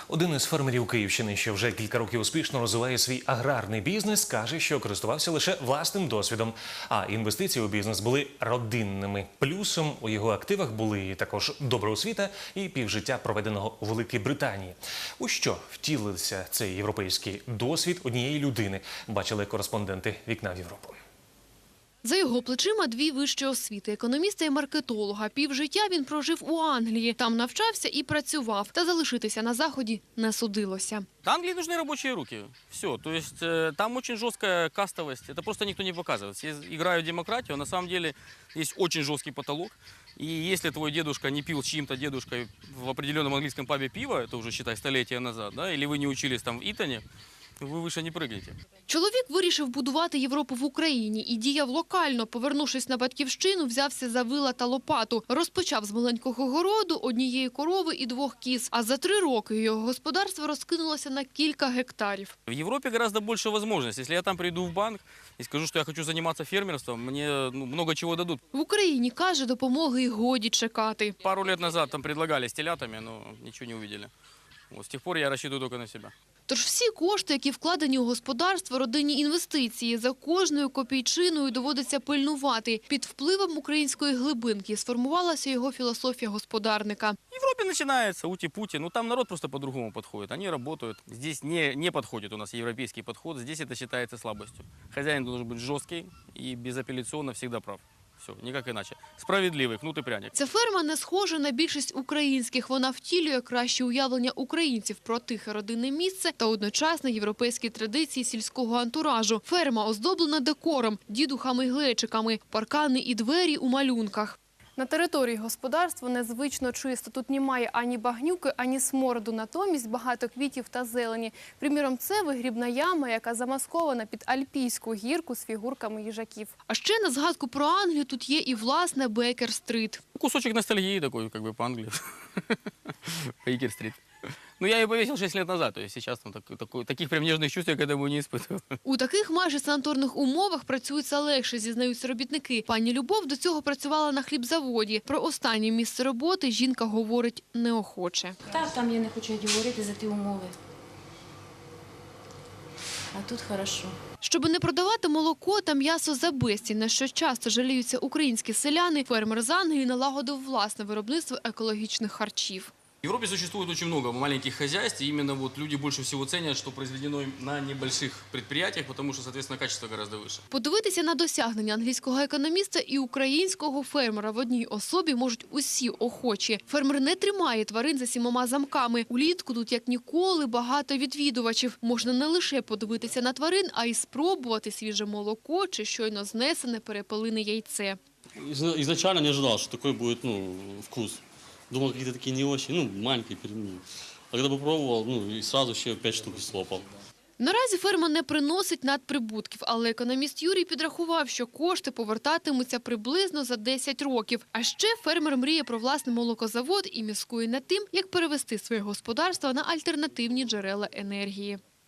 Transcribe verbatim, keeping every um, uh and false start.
Один із фермерів Київщини, що вже кілька років успішно розвиває свій аграрний бізнес, каже, що користувався лише власним досвідом, а інвестиції у бізнес були родинними. Плюсом у його активах були також добра освіта і півжиття, проведеного у Великій Британії. У що втілився цей європейський досвід однієї людини, бачили кореспонденти «Вікна в Європу». За його плечима дві вищі освіти – економіста і маркетолога. Півжиття він прожив у Англії. Там навчався і працював. Та залишитися на Заході не судилося. Англии нужны рабочие руки. Все. То есть э, там очень жесткая кастовость. Это просто никто не показывает. Все играют в демократию. На самом деле есть очень жесткий потолок. И если твой дедушка не пил с чьим-то дедушкой в определенном английском пабе пиво, это уже, считай, столетия назад, да, или вы не учились там в Итоне, ви вище не прыгаєте. Чоловік вирішив будувати Європу в Україні і діяв локально. Повернувшись на батьківщину, взявся за вила та лопату. Розпочав з маленького городу, однієї корови і двох кіз. А за три роки його господарство розкинулося на кілька гектарів. В Європі гораздо більше можливостей. Якщо я там прийду в банк і скажу, що я хочу займатися фермерством, мені ну, багато чого дадуть. В Україні, каже, допомоги й годі чекати. Пару років назад там предлагали з телятами, але нічого не побачили. З тих пор я розраховую тільки на себе. Тож всі кошти, які вкладені у господарство, родинні інвестиції, за кожною копійчиною доводиться пильнувати. Під впливом української глибинки сформувалася його філософія господарника. В Европе начинается ути-пути, но там народ просто по-другому подходит. Они работают. Здесь не, не подходит у нас европейский подход, здесь это считается слабостью. Хозяин должен быть жесткий и безапелляционно всегда прав. Все, ніяк іначе. Справедливий, кнут і пряник. Ця ферма не схожа на більшість українських. Вона втілює краще уявлення українців про тихе родинне місце та одночасно європейські традиції сільського антуражу. Ферма оздоблена декором, дідухами й глечиками, паркани і двері у малюнках. На території господарства незвично чисто. Тут немає ані багнюки, ані смороду. Натомість багато квітів та зелені. Приміром, це вигрібна яма, яка замаскована під альпійську гірку з фігурками їжаків. А ще на згадку про Англію тут є і власне Бейкер-стрит. Кусочек ностальгии такой, как бы по Англии. Бейкер-стрит. Ну, я ее повесил шесть лет назад, то есть сейчас там так, так, таких прям нежных чувств я к этому не испытываю. У таких майже санаторних умовах працюється легше, зізнаються робітники. Пані Любов до цього працювала на хлібзаводі. Про останнє місце роботи жінка говорить неохоче. Так, там я не хочу говорити за ті умови. А тут хорошо. Щоби не продавати молоко та м'ясо за безцінь, на що часто жаліються українські селяни, фермер з Англії налагодив власне виробництво екологічних харчів. В Европе существует очень много маленьких хозяйств, и именно вот люди больше всего ценят, что произведено на небольших предприятиях, потому что, соответственно, качество гораздо выше. Подивитися на досягнення англійського економіста і українського фермера в одній особі можуть усі охочі. Фермер не тримає тварин за сімома замками. Улітку тут, як ніколи, багато відвідувачів. Можна не лише подивитися на тварин, а й спробувати свіже молоко чи щойно знесене перепелине яйце. Изначально не ожидал, что такой будет ну, вкус. Думал, какие-то такие не очень, ну, маленькие пельмени. А когда попробовал, ну, и сразу еще пять штук слопал. Наразі ферма не приносить надприбутків, але економіст Юрій підрахував, що кошти повертатимуться приблизно за десять років. А ще фермер мріє про власний молокозавод і міскує над тим, як перевести своє господарство на альтернативні джерела енергії.